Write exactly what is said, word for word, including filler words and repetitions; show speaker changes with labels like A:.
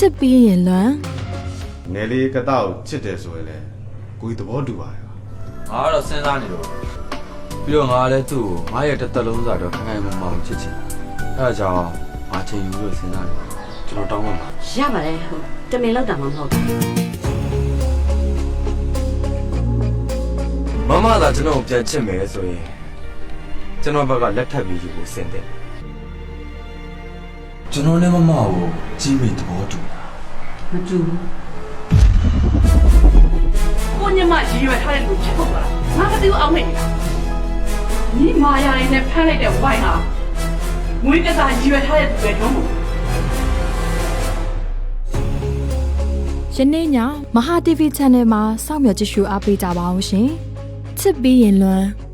A: စ်ပြီးရင်လွမ်း
B: ငယ်လေးကတောက်ချစ်တယ်ဆိုရင်လည်းကိုကြီးသဘောတူပါရဲ့
C: ငါကတော့စဉ်းစားနေတော့ပြီးတော့ငါလည်းသူ့ကိုငါရဲ့တစ်သက်လုံးစားတော့ခိုင်ခိုင်မာမာချစ်ချင်အဲဒါကြောင့်ငါချိန်ယူလို့စဉ်းစားနေကျွန်တော်တောင်းပါမှာ
D: ရပါတယ်ဟိုတမင်လောက်တာမှမဟုတ်ဘူး
C: မမသာကျွန်တော်ပြန်ချစ်မယ်ဆိုရင်ကျွန်တော်ဘက်ကလက်ထပ်ပြီးယူဖို့စဉ်းတယ်ကျွန်တော်နဲ့မမကိုကြီးမိသဘောတူတာ
D: မတူဘူး
E: ကိုညမရည်ရွယ်ထားတဲ့လူချက်ဖို့ပါလားငါကတူအောင်နေလားညီမာယာရင်းနဲ့ဖမ်းလိုက်တဲ့ဝိုင်းဟာငွေကစားရည်ရွယ်ထားတဲ့သူတွေတော့မဟုတ်
A: ယနေ့ညမဟာ တီဗီ Channel မှာစောင့်မျှော်ကြည့်ရှုအားပေးကြပါအောင်ရှင်ချစ်ပြီးရင်လွမ်း